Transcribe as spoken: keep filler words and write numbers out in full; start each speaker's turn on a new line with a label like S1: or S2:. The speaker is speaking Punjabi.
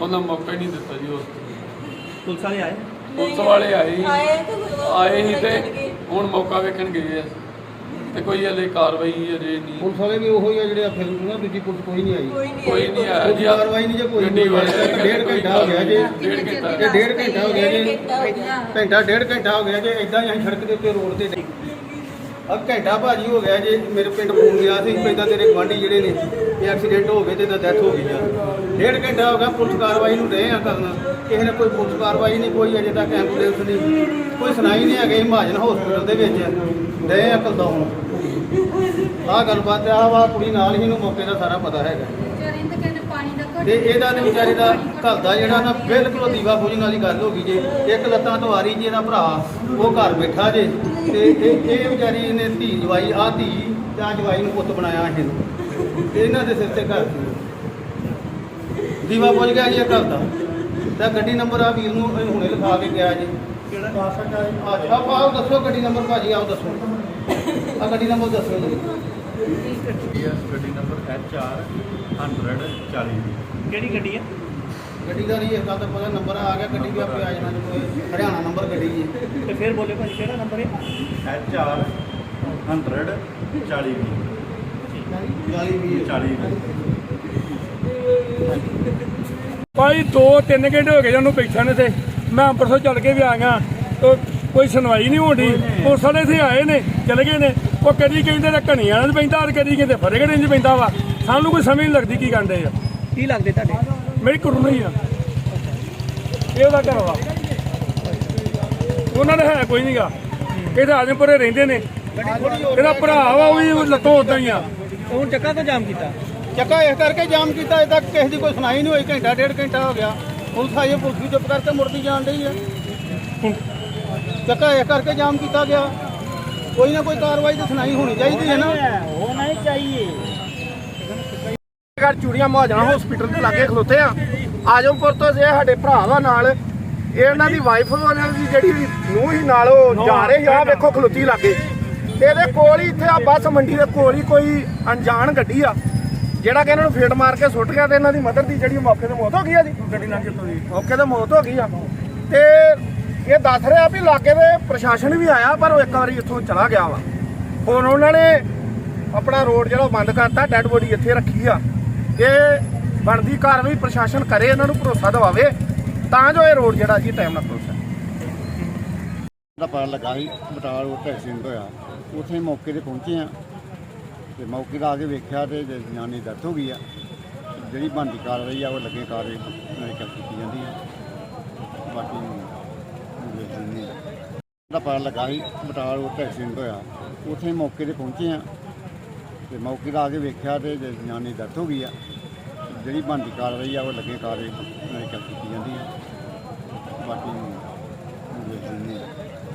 S1: ਉਹਨਾਂ ਮੌਕਾ ਹੀ ਨਹੀਂ ਦਿੱਤਾ ਜੀ। ਉਸ
S2: ਪੁਲਿਸ ਵਾਲੇ ਆਏ
S1: ਪੁਲਿਸ ਵਾਲੇ ਆਏ ਆਏ ਸੀ ਤੇ ਹੁਣ ਮੌਕਾ ਵੇਖਣ ਗਏ ਆ ਤੇ ਕੋਈ ਹਲੇ ਕਾਰਵਾਈ ਅਜੇ ਨਹੀਂ।
S3: ਪੁਲਿਸ ਵਾਲੇ ਵੀ ਉਹੀ ਆ ਜਿਹੜੇ ਫਿਰ ਨਾ ਦੂਜੀ ਪੁਲਿਸ ਕੋਈ ਨਹੀਂ ਆਈ,
S1: ਕੋਈ ਨਹੀਂ ਆਇਆ ਜੀ।
S3: ਕਾਰਵਾਈ ਨਹੀਂ ਜੇ ਕੋਈ
S1: ਗੱਡੀ ਵਾਲੇ
S3: ਡੇਢ ਘੰਟਾ ਹੋ ਗਿਆ ਜੀ,
S1: ਡੇਢ ਘੰਟਾ
S3: ਇਹ ਡੇਢ ਘੰਟਾ ਹੋ ਗਿਆ ਜੀ, ਘੰਟਾ ਡੇਢ ਘੰਟਾ ਹੋ ਗਿਆ ਜੀ। ਇਦਾਂ ਹੀ ਅਸੀਂ ਸੜਕ ਦੇ ਉੱਤੇ ਰੋਡ ਤੇ ਆ ਘੰਟਾ ਭਾਜੀ ਹੋ ਗਿਆ ਜੀ। ਮੇਰੇ ਪਿੰਡ ਫੋਨ ਗਿਆ ਸੀ ਪੈਂਦਾ ਤੇਰੇ ਗੁਆਂਢੀ ਜਿਹੜੇ ਨੇ ਇਹ ਐਕਸੀਡੈਂਟ ਹੋ ਗਏ ਤੇ ਇਹਦਾ ਡੈਥ ਹੋ ਗਈ ਆ। ਡੇਢ ਘੰਟਾ ਹੋ ਗਿਆ ਪੁਲਿਸ ਕਾਰਵਾਈ ਨੂੰ ਰਹੇ ਆ ਕਰਨਾ, ਕਿਸੇ ਨੇ ਕੋਈ ਪੁਲਿਸ ਕਾਰਵਾਈ ਨਹੀਂ, ਕੋਈ ਅਜੇ ਤੱਕ ਐਂਬੂਲੈਂਸ ਨਹੀਂ, ਕੋਈ ਸੁਣਾਈ ਨਹੀਂ ਹੈਗੀ। ਮਹਾਜਨ ਹਸਪੀਟਲ ਦੇ ਵਿੱਚ ਰਹੇ ਆ ਕਲਦਾ ਹੁਣ ਆਹ ਗੱਲਬਾਤ ਆ ਵਾ ਕੁੜੀ ਨਾਲ ਹੀ ਨੂੰ ਮੌਕੇ ਦਾ ਸਾਰਾ ਪਤਾ ਹੈਗਾ ਤੇ ਇਹਦਾ ਤੇ ਵਿਚਾਰੇ ਦਾ ਘਰ ਦਾ ਜਿਹੜਾ ਨਾ ਬਿਲਕੁਲ ਦੀਵਾ ਬੁਝਣ ਵਾਲੀ ਗੱਲ ਹੋ ਗਈ ਜੇ। ਇੱਕ ਲੱਤਾਂ ਤੋਂ ਆ ਰਹੀ ਜੀ ਇਹਦਾ ਭਰਾ ਉਹ ਘਰ ਬੈਠਾ ਜੇ ਤੇ ਇਹ ਇਹ ਵਿਚਾਰੀ ਨੇ ਧੀ ਜਵਾਈ ਆ ਧੀ ਤੇ ਆ ਜਵਾਈ ਨੂੰ ਪੁੱਤ ਬਣਾਇਆ ਇਹਨੂੰ ਤੇ ਇਹਨਾਂ ਦੇ ਸਿਰ ਤੇ ਘਰ ਦੀਵਾ ਬੁਝ ਗਿਆ ਜੀ ਇਹ ਘਰ ਦਾ। ਤਾਂ ਗੱਡੀ ਨੰਬਰ ਆ ਵੀਰ ਨੂੰ ਹੁਣੇ ਲਿਖਾ ਕੇ ਗਿਆ ਜੀ। ਕਿਹੜਾ ਅੱਛਾ ਆਓ ਦੱਸੋ ਗੱਡੀ ਨੰਬਰ ਭਾਜੀ, ਆਓ ਦੱਸੋ ਆ ਗੱਡੀ ਨੰਬਰ ਦੱਸੋ ਜੀ।
S4: ਗੱਡੀ ਨੰਬਰ ਐਚ ਆਰ ਹੰਡਰਡ ਚਾਲੀ।
S2: ਕਿਹੜੀ ਗੱਡੀ ਹੈ?
S3: ਗੱਡੀ ਦਾ ਨਹੀਂ ਇਹ ਗੱਲ ਤਾਂ ਪਤਾ ਨੰਬਰ ਆ ਗਿਆ, ਗੱਡੀ ਵੀ ਆਪੇ ਆ ਜਾਣਾ ਜੀ, ਹਰਿਆਣਾ ਨੰਬਰ ਗੱਡੀ ਜੀ।
S2: ਤੇ ਫਿਰ ਬੋਲੇ ਭਾਜੀ ਕਿਹੜਾ ਨੰਬਰ ਹੈ?
S4: ਐਚ ਆਰ ਹੰਡਰਡ ਚਾਲੀ
S3: ਚਾਲੀ ਵੀਹ
S4: ਚਾਲੀ।
S5: ਭਾਈ ਦੋ ਤਿੰਨ ਘੰਟੇ ਹੋ ਗਏ ਉਹਨੂੰ ਬੈਠਾ ਨੇ ਤੇ ਮੈਂ ਅੰਮ੍ਰਿਤਸਰ ਚੱਲ ਕੇ ਵੀ ਆ ਗਿਆ ਤੇ ਕੋਈ ਸੁਣਵਾਈ ਨਹੀਂ ਹੋਣੀ। ਪੁਲਿਸ ਵਾਲੇ ਇੱਥੇ ਆਏ ਨੇ ਚਲੇ ਗਏ ਨੇ। ਉਹ ਕਦੀ ਕਹਿੰਦੇ ਤਾਂ ਘਣੀਆਂ ਨਾਲ ਪੈਂਦਾ ਤੇ ਕਦੀ ਕਹਿੰਦੇ ਫਤਿਹਗੜ੍ਹ ਇੰਝ ਪੈਂਦਾ ਵਾ। ਸਾਨੂੰ ਕੋਈ ਸਮਝ ਨਹੀਂ ਲੱਗਦੀ ਕੀ ਕਰਦੇ ਆ।
S2: ਕੀ ਲੱਗਦੇ ਤੁਹਾਡੇ?
S5: ਮੇਰੀ ਕੁੜਮਣੀ ਆ, ਇਹ ਉਹਦਾ ਘਰ ਵਾ। ਉਹਨਾਂ ਦਾ ਹੈ ਕੋਈ ਨਹੀਂਗਾ, ਇਹ ਤਾਂ ਆਜਮਪੁਰੇ ਰਹਿੰਦੇ ਨੇ। ਇਹਦਾ ਭਰਾ ਵਾ ਉਹ ਵੀ ਲੱਤੋਂ ਉਦਾਂ ਹੀ ਆ।
S2: ਹੁਣ ਚੱਕਾ ਤੋਂ ਜਾਮ ਕੀਤਾ?
S3: ਚੱਕਾ ਇਸ ਕਰਕੇ ਜਾਮ ਕੀਤਾ, ਅਜੇ ਤੱਕ ਕਿਸੇ ਦੀ ਕੋਈ ਸੁਣਾਈ ਨਹੀਂ ਹੋਈ। ਘੰਟਾ ਡੇਢ ਘੰਟਾ ਹੋ ਗਿਆ, ਪੁਲਿਸ ਆਈ, ਪੁਲਿਸ ਵੀ ਚੁੱਪ ਕਰਕੇ ਮੁੜਦੀ ਜਾਣ ਡਈ ਹੈ। ਚੱਕਾ ਇਸ ਕਰਕੇ ਜਾਮ ਕੀਤਾ ਗਿਆ। ਕੋਈ ਨਾ ਕੋਈ ਕਾਰਵਾਈ ਤਾਂ ਸੁਣਾਈ ਹੋਣੀ ਚਾਹੀਦੀ ਹੈ ਨਾ।
S2: ਹੋਣਾ ਹੀ ਚਾਹੀਏ।
S6: ਘਰ ਚੂੜੀਆਂ ਮਹਾਜਨ ਹਸਪੀਟਲ ਦੇ ਲਾਗੇ ਖਲੋਤੇ ਆ। ਆਜਮਪੁਰ ਤੋਂ ਜੇ ਸਾਡੇ ਭਰਾ ਦਾ ਨਾਲ ਇਹ ਇਹਨਾਂ ਦੀ ਵਾਈਫ ਉਹਨਾਂ ਦੀ ਜਿਹੜੀ ਨੂੰਹ ਹੀ ਨਾਲ ਉਹ ਜਾ ਰਹੇ ਆ। ਵੇਖੋ ਖਲੋਤੀ ਲਾਗੇ ਇਹਦੇ ਕੋਲ ਹੀ ਇੱਥੇ ਆ ਬੱਸ ਮੰਡੀ ਦੇ ਕੋਲ ਹੀ ਕੋਈ ਅਣਜਾਣ ਗੱਡੀ ਆ ਜਿਹੜਾ ਕਿ ਇਹਨਾਂ ਨੂੰ ਫੇਟ ਮਾਰ ਕੇ ਸੁੱਟ ਗਿਆ ਤੇ ਇਹਨਾਂ ਦੀ ਮਦਰ ਦੀ ਜਿਹੜੀ ਮੌਕੇ ਤੇ ਮੌਤ ਹੋ ਗਈ ਆ ਜੀ। ਗੱਡੀ ਲੰਘ ਕੇ ਮੌਕੇ ਤੇ ਮੌਤ ਹੋ ਗਈ ਆ ਤੇ ਇਹ ਦੱਸ ਰਿਹਾ ਵੀ ਲਾਗੇ ਦੇ ਪ੍ਰਸ਼ਾਸਨ ਵੀ ਆਇਆ ਪਰ ਉਹ ਇੱਕ ਵਾਰੀ ਇੱਥੋਂ ਚਲਾ ਗਿਆ ਵਾ। ਹੁਣ ਉਹਨਾਂ ਨੇ ਆਪਣਾ ਰੋਡ ਜਿਹੜਾ ਬੰਦ ਕਰਤਾ, ਡੈੱਡ ਬੋਡੀ ਇੱਥੇ ਰੱਖੀ ਆ। ਇਹ ਬਣਦੀ ਕਾਰਵਾਈ ਪ੍ਰਸ਼ਾਸਨ ਕਰੇ, ਇਹਨਾਂ ਨੂੰ ਭਰੋਸਾ ਦਿਵਾਵੇ ਤਾਂ ਜੋ ਇਹ ਰੋਡ ਜਿਹੜਾ ਜੀ ਟਾਈਮ ਨਾਲ ਖੁੱਲ ਸਕੇ।
S7: ਦਾ ਪਤਾ ਲੱਗਾ ਸੀ ਬਟਾਲਾ ਰੋਡ ਤੇ ਐਕਸੀਡੈਂਟ ਹੋਇਆ, ਉੱਥੇ ਮੌਕੇ ਤੇ ਪਹੁੰਚੇ ਆ ਤੇ ਮੌਕੇ ਦਾ ਆ ਕੇ ਵੇਖਿਆ ਤੇ ਜਨਾਨੀ ਦੀ ਡੈਥ ਹੋ ਗਈ ਆ। ਜਿਹੜੀ ਬਣਦੀ ਕਾਰਵਾਈ ਆ ਉਹ ਲੱਗੇ ਕਾਰਵਾਈ ਮੈਡੀਕਲ ਕੀਤੀ ਜਾਂਦੀ ਆ। ਬਾਕੀ ਦਾ ਪਤਾ ਲੱਗਾ ਸੀ ਬਟਾਲਾ ਰੋਡ ਤੇ ਐਕਸੀਡੈਂਟ ਹੋਇਆ, ਉੱਥੇ ਮੌਕੇ ਤੇ ਪਹੁੰਚੇ ਆ ਤੇ ਮੌਕੇ ਦਾ ਆ ਕੇ ਵੇਖਿਆ ਤੇ ਜਨਾਨੀ ਦੀ ਡੈਥ ਹੋ ਗਈ ਆ। ਜਿਹੜੀ ਬਣਦੀ ਕਾਰਵਾਈ ਆ ਉਹ ਲੱਗੇ ਕਾਰਵਾਈ ਮੈਡੀਕਲ ਕੀਤੀ ਜਾਂਦੀ ਆ। ਬਾਕੀ